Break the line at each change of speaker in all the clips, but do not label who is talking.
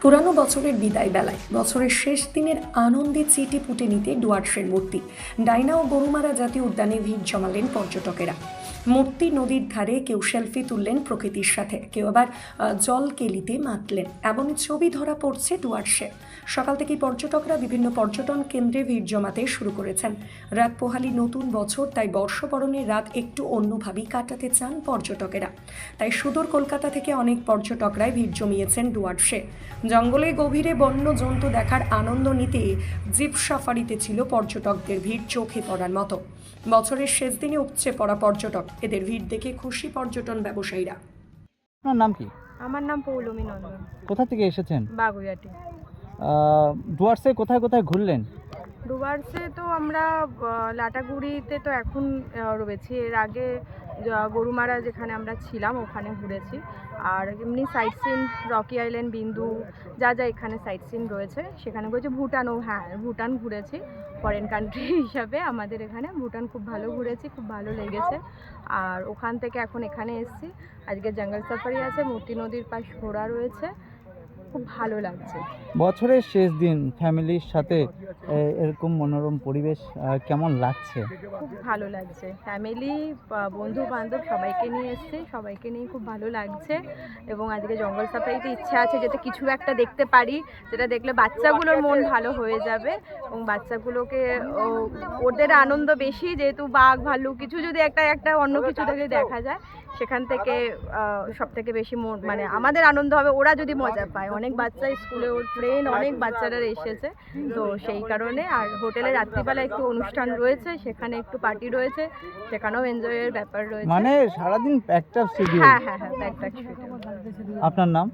পুরানো বছরের বিদায় বেলায় বছরের শেষ দিনের আনন্দে চেটে পুটে নিতে ডুয়ার্সের মূর্তি ডাইনা ও গরুমারা জাতীয় উদ্যানে ভিড় জমালেন পর্যটকেরা। মূর্তি নদীর ধারে কেউ সেলফি তুললেন প্রকৃতির সাথে, কেউ আবার জল কেলিতে মাতলেন। এমনই ছবি ধরা পড়ছে ডুয়ার্সে। সকাল থেকেই পর্যটকরা বিভিন্ন পর্যটন কেন্দ্রে ভিড় জমাতে শুরু করেছেন। রাত পোহালি নতুন বছর, তাই বর্ষবরণের রাত একটু অন্যভাবেই কাটাতে চান পর্যটকেরা। তাই সুদূর কলকাতা থেকে অনেক পর্যটকরাই ভিড় জমিয়েছেন ডুয়ার্সে। জঙ্গলে গভীরে বন্য জন্তু দেখার আনন্দ নিতে জিপ সাফারিতে ছিল পর্যটকদের ভিড় চোখে পড়ার মতো। বছরের শেষ দিনে উপচে পড়া পর্যটক, এদের ভিড় দেখে খুশি পর্যটন ব্যবসায়ীরা।
আপনার নাম কি?
আমার নাম পৌলমী নন্দন।
কোথা থেকে এসেছেন?
বাগুইয়াটি।
ডুয়ার্সে কোথায় কোথায় ঘুরলেন?
ডুয়ার্সে তো আমরা লাটাগুড়িতে তো এখন রয়েছি। এর আগে গরুমারা যেখানে আমরা ছিলাম ওখানে ঘুরেছি। আর এমনি সাইট সিন রকি আইল্যান্ড, বিন্দু, যা যা এখানে সাইট সিন রয়েছে সেখানে ঘুরেছি। ভুটানও, হ্যাঁ ভুটান ঘুরেছি ফরেন কান্ট্রি হিসাবে। আমাদের এখানে ভুটান খুব ভালো ঘুরেছি, খুব ভালো লেগেছে। আর ওখান থেকে এখন এখানে এসেছি। আজকে জঙ্গল সাফারি আছে, মূর্তি নদীর পাশ ঘোরা রয়েছে, খুব ভালো লাগছে।
বছরের শেষ দিন ফ্যামিলির সাথে এরকম মনোরম পরিবেশ কেমন লাগছে?
খুব ভালো লাগছে। ফ্যামিলি, বন্ধু বান্ধব সবাইকে নিয়ে এসেছি, সবাইকে নিয়ে খুব ভালো লাগছে। এবং আজকে জঙ্গল সাফারিতে ইচ্ছা আছে যাতে কিছু একটা দেখতে পারি, যেটা দেখলে বাচ্চাগুলোর মন ভালো হয়ে যাবে। এবং বাচ্চাগুলোকে ওদের আনন্দ বেশি, যেহেতু বাঘ ভাল্লুক কিছু যদি একটা অন্য কিছু যদি দেখা যায়, সেখান থেকে সব থেকে বেশি মানে আমাদের আনন্দ হবে, ওরা যদি মজা পায়। অনেক বাচ্চা স্কুলে, ওর ফ্রেন্ড অনেক বাচ্চারা এসেছে, তো সেই কারণে। আর হোটেলে রাত্রিবেলা একটু অনুষ্ঠান রয়েছে, সেখানে একটু পার্টি রয়েছে, সেখানেও এনজয়ের ব্যাপার রয়েছে।
মানে সারাদিন প্যাকড আপ শিডিউল।
হ্যাঁ, প্যাকড শিডিউল।
আপনার নাম?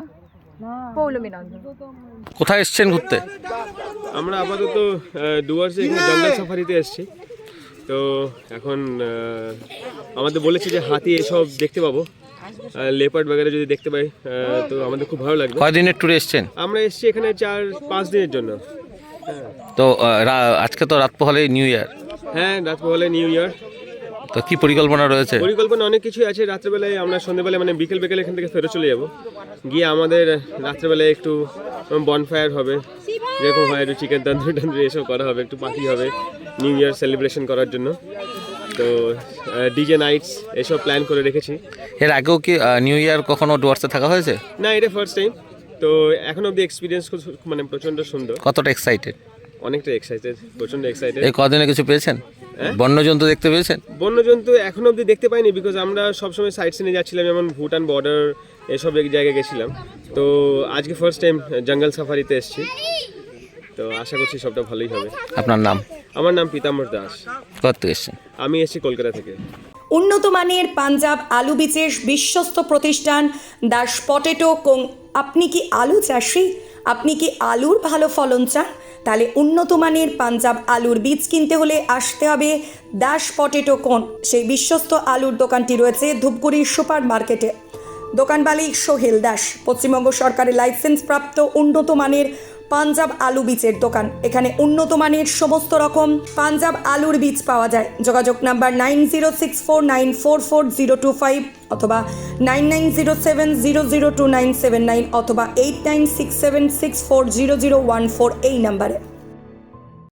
পৌলমী নন্দন।
কোথায় এসেছেন ঘুরতে?
আমরা আপাতত ডুয়ার্সে এখানে জঙ্গল সাফারিতে এসেছি। তো এখন আমাদের বলেছে যে হাতি এসব দেখতে পাবো, লেপার্ড বাগেরা যদি দেখতে পাই তো আমাদের খুব ভালো লাগবে।
কয়দিনের ট্যুরে এসেছেন?
আমরা এসেছি এখানে 4-5 দিনের জন্য।
তো আজকে তো রাত পোহালে নিউ ইয়ার।
হ্যাঁ, রাত পোহালে নিউ ইয়ার।
তো কি পরিকল্পনা রয়েছে?
পরিকল্পনা অনেক কিছুই আছে। রাত্রেবেলায় আমরা সন্ধ্যেবেলায় মানে বিকেল এখান থেকে ফেরত চলে যাব। গিয়ে আমাদের রাত্রেবেলায় একটু বনফায়ার হবে, যেরকম হয় একটু চিকেন তন্দুরি এসব করা হবে, একটু পার্টি হবে নিউ ইয়ার সেলিব্রেশন করার জন্য। তো ডিজে নাইটস এসব প্ল্যান করে রেখেছি।
এর আগেও কি নিউ ইয়ার কখনো ডুয়ার্সে থাকা হয়েছে?
না, এটা ফার্স্ট টাইম। তো এখন অব্দি এক্সপিরিয়েন্স মানে প্রচণ্ড সুন্দর।
কতটা এক্সাইটেড?
অনেকটা এক্সাইটেড, প্রচণ্ড এক্সাইটেড।
এই কদিনে কিছু পেয়েছেন? বন্যজন্তু দেখতে পেয়েছেন?
বন্যজন্তু এখন অব্দি দেখতে পাইনি, বিকজ আমরা সবসময় সাইট সিনে যাচ্ছিলাম, যেমন ভুটান বর্ডার এসব এক জায়গায় গেছিলাম। তো আজকে ফার্স্ট টাইম জঙ্গল সাফারিতে এসেছি, তো আশা করছি সবটা ভালোই হবে।
আপনার নাম?
আমার নাম পীতাম্বর দাস।
কত এসেছেন?
আমি এসেছি কলকাতা থেকে।
উন্নত মানের পাঞ্জাব আলু বীজের বিশ্বস্ত প্রতিষ্ঠান দাস পটেটো কোং। আপনি কি আলু চাষি? আপনি কি আলুর ভালো ফলন চান? তাহলে উন্নত মানের পাঞ্জাব আলুর বীজ কিনতে হলে আসতে হবে দাস পটেটো কোন। সেই বিশ্বস্ত আলুর দোকানটি রয়েছে ধূপগুড়ির সুপার মার্কেটে। দোকান মালিক সোহেল দাস। পশ্চিমবঙ্গ সরকারের লাইসেন্স প্রাপ্ত উন্নত মানের পাঞ্জাব আলু বীজের দোকান। এখানে উন্নত মানের সমস্ত রকম পাঞ্জাব আলুর বীজ পাওয়া যায়। যোগাযোগ নাম্বার 9064944025 অথবা 9907002979 অথবা 8967640014 এই নাম্বারে।